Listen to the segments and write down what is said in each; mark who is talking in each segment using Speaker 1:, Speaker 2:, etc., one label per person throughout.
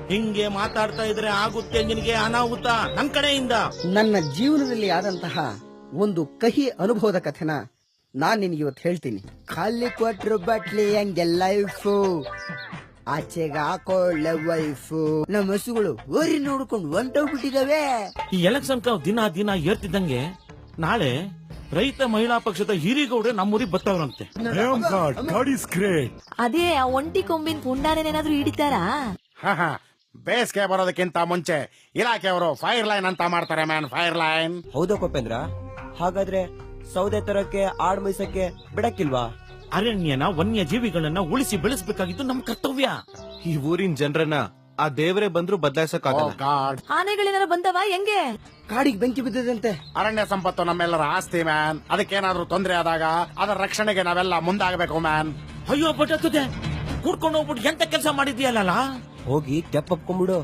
Speaker 1: ಹಿಂಗೆ ಮಾತಾಡ್ತಾ ಇದ್ರೆ ಆಗುತ್ತೆ ನಿನಗೆ ಅನಾಹುತ ನನ್ ಕಡೆಯಿಂದ.
Speaker 2: ನನ್ನ ಜೀವನದಲ್ಲಿ ಆದಂತಹ ಒಂದು ಕಹಿ ಅನುಭವದ ಕಥೆನ ನಾನ್ ನಿನಗೆ ಇವತ್ತು ಹೇಳ್ತೀನಿ. ಖಾಲಿ ಕ್ವಾಟ್ರ್ ಬಾಟ್ಲಿ ಹಂಗೆ ಲೈಫು, ಆಚೆಗೆ ಹಾಕೊಳ್ಳೆ ವೈಫು. ನಮ್ಮ ಹಸುಗಳು ಓರಿ ನೋಡ್ಕೊಂಡು ಹೊಂಟೋಗ್ಬಿಟ್ಟಿದಾವೆ.
Speaker 1: ಈ ಎಲೆಕ್ಷನ್ ಕಾವ್ ದಿನ ದಿನ ಏರ್ತಿದ್ದಂಗೆ ನಾಳೆ ರೈತ ಮಹಿಳಾ ಪಕ್ಷದ ಹಿರಿಗೌಡ್ರೆ ನಮ್ಮೂರಿಗೆ ಬರ್ತಾವ್ರಂತೆ.
Speaker 3: ಅದೇ ಆ ಒಂಟಿ ಕೊಂಬಿನ ಪುಂಡಾನೇನಾದ್ರೂ ಹಿಡಿತಾರಾ?
Speaker 4: ಬೇಸಿಗೆ ಬರೋದಕ್ಕಿಂತ ಮುಂಚೆ ಇಲಾಖೆಯವರು ಫೈರ್ ಲೈನ್ ಅಂತ ಮಾಡ್ತಾರೆ ಮ್ಯಾನ್, ಫೈರ್ ಲೈನ್.
Speaker 5: ಹೌದಾ ಕೋಪೇಂದ್ರ? ಹಾಗಾದ್ರೆ ಸೌದೆ ತರಕ್ಕೆ ಆಡ್ ಮೈಸಕ್ಕೆ ಬಿಡಕ್ಕಿಲ್ವಾ?
Speaker 1: ಅರಣ್ಯನ ವನ್ಯ ಜೀವಿಗಳನ್ನ ಉಳಿಸಿ ಬೆಳೆಸಬೇಕಾಗಿದ್ದು ನಮ್ ಕರ್ತವ್ಯ.
Speaker 6: ಈ ಊರಿನ ಜನರನ್ನ ಆ ದೇವರೇ ಬಂದ್ರು ಬದಲಾಯಿಸಕ್ಕಾಗಲ್ಲ.
Speaker 3: ಆನೆಗಳೇನಾರ ಬಂದವ ಹೆಂಗೆ?
Speaker 2: ಕಾಡಿಗೆ ಬೆಂಕಿ ಬಿದ್ದದಂತೆ.
Speaker 4: ಅರಣ್ಯ ಸಂಪತ್ತು ನಮ್ಮೆಲ್ಲರ ಆಸ್ತಿ ಮ್ಯಾನ್. ಅದಕ್ಕೇನಾದ್ರೂ ತೊಂದರೆ ಆದಾಗ ಅದರ ರಕ್ಷಣೆಗೆ ನಾವೆಲ್ಲ ಮುಂದಾಗಬೇಕು ಮ್ಯಾನ್.
Speaker 1: ಅಯ್ಯೋ ಬಟ್ಟದೆ ಕೂಡ್ಕೊಂಡು ಹೋಗ್ಬಿಟ್ಟು ಎಂತ ಕೆಲಸ ಮಾಡಿದ್ಯಲ್ಲ.
Speaker 5: ಹೋಗಿ ತೆಪ್ಪಪ್ಕೊಂಡ್ಬಿಡು.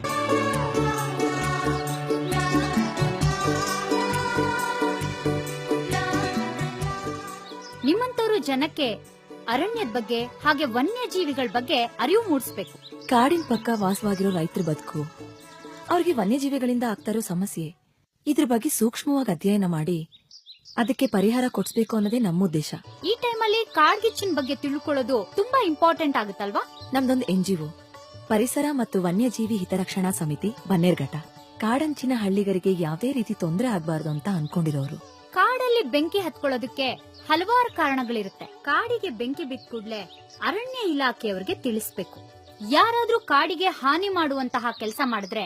Speaker 7: ನಿಮ್ಮಂತವ್ರು ಜನಕ್ಕೆ ಅರಣ್ಯದ ಬಗ್ಗೆ ಹಾಗೆ ವನ್ಯಜೀವಿಗಳ ಬಗ್ಗೆ ಅರಿವು ಮೂಡಿಸಬೇಕು.
Speaker 3: ಕಾಡಿನ ಪಕ್ಕ ವಾಸವಾಗಿರೋ ರೈತರ ಬದುಕು, ಅವ್ರಿಗೆ ವನ್ಯಜೀವಿಗಳಿಂದ ಆಗ್ತಾರೋ ಸಮಸ್ಯೆ, ಇದ್ರ ಬಗ್ಗೆ ಸೂಕ್ಷ್ಮವಾಗಿ ಅಧ್ಯಯನ ಮಾಡಿ ಅದಕ್ಕೆ ಪರಿಹಾರ ಕೊಡ್ಸ್ಬೇಕು ಅನ್ನೋದೇ ನಮ್ಮ ಉದ್ದೇಶ.
Speaker 7: ಈ ಟೈಮಲ್ಲಿ ಕಾಡ್ಗಿಚ್ಚಿನ ಬಗ್ಗೆ ತಿಳ್ಕೊಳ್ಳೋದು ತುಂಬಾ ಇಂಪಾರ್ಟೆಂಟ್ ಆಗುತ್ತಲ್ವಾ?
Speaker 3: ನಮ್ದೊಂದು NGO ಪರಿಸರ ಮತ್ತು ವನ್ಯಜೀವಿ ಹಿತರಕ್ಷಣಾ ಸಮಿತಿ ಬನ್ನೇರ್ಘಟ್ಟ. ಕಾಡಂಚಿನ ಹಳ್ಳಿಗರಿಗೆ ಯಾವುದೇ ರೀತಿ ತೊಂದರೆ ಆಗ್ಬಾರ್ದು ಅಂತ ಅನ್ಕೊಂಡಿರೋರು.
Speaker 7: ಕಾಡಲ್ಲಿ ಬೆಂಕಿ ಹತ್ಕೊಳ್ಳೋದಕ್ಕೆ ಹಲವಾರು ಕಾರಣಗಳಿರುತ್ತೆ. ಕಾಡಿಗೆ ಬೆಂಕಿ ಬಿದ್ದ ಕೂಡ್ಲೆ ಅರಣ್ಯ ಇಲಾಖೆಯವರಿಗೆ ತಿಳಿಸ್ಬೇಕು. ಯಾರಾದ್ರೂ ಕಾಡಿಗೆ ಹಾನಿ ಮಾಡುವಂತಹ ಕೆಲಸ ಮಾಡಿದ್ರೆ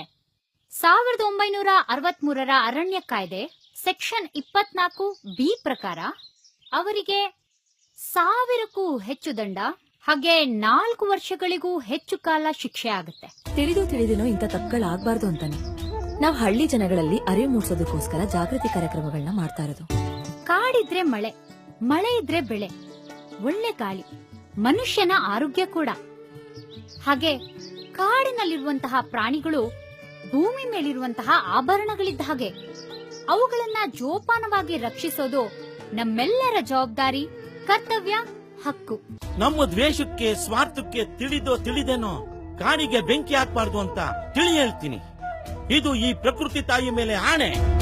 Speaker 7: 1963ರ ಅರಣ್ಯ ಕಾಯ್ದೆ ಸೆಕ್ಷನ್ 24B ಪ್ರಕಾರ ಅವರಿಗೆ 1000ಕ್ಕೂ ಹೆಚ್ಚು ದಂಡ ಹಾಗೆ 4 ವರ್ಷಗಳಿಗೂ ಹೆಚ್ಚು ಕಾಲ ಶಿಕ್ಷೆ ಆಗುತ್ತೆ.
Speaker 3: ತಿಳಿದೇನೋ ಇಂಥ ತಪ್ಪುಗಳಾಗಬಾರ್ದು ಅಂತಾನೆ ನಾವು ಹಳ್ಳಿ ಜನಗಳಲ್ಲಿ ಅರಿವು ಮೂಡಿಸೋದಕ್ಕೋಸ್ಕರ ಜಾಗೃತಿ ಕಾರ್ಯಕ್ರಮಗಳನ್ನ ಮಾಡ್ತಾ ಇರೋದು.
Speaker 7: ಕಾಡಿದ್ರೆ ಮಳೆ, ಮಳೆ ಇದ್ರೆ ಬೆಳೆ, ಒಳ್ಳೆ ಗಾಳಿ, ಮನುಷ್ಯನ ಆರೋಗ್ಯ ಕೂಡ. ಹಾಗೆ ಕಾಡಿನಲ್ಲಿರುವಂತಹ ಪ್ರಾಣಿಗಳು ಭೂಮಿ ಮೇಲಿರುವಂತಹ ಆಭರಣಗಳಿದ್ದ ಹಾಗೆ. ಅವುಗಳನ್ನ ಜೋಪಾನವಾಗಿ ರಕ್ಷಿಸೋದು ನಮ್ಮೆಲ್ಲರ ಜವಾಬ್ದಾರಿ, ಕರ್ತವ್ಯ, ಹಕ್ಕು.
Speaker 1: ನಮ್ಮ ದ್ವೇಷಕ್ಕೆ ಸ್ವಾರ್ಥಕ್ಕೆ ತಿಳಿದೇನೋ ಕಾಡಿಗೆ ಬೆಂಕಿ ಹಾಕ್ಬಾರ್ದು ಅಂತ ತಿಳಿ ಹೇಳ್ತೀನಿ. ಇದು ಈ ಪ್ರಕೃತಿ ತಾಯಿ ಮೇಲೆ ಆಣೆ.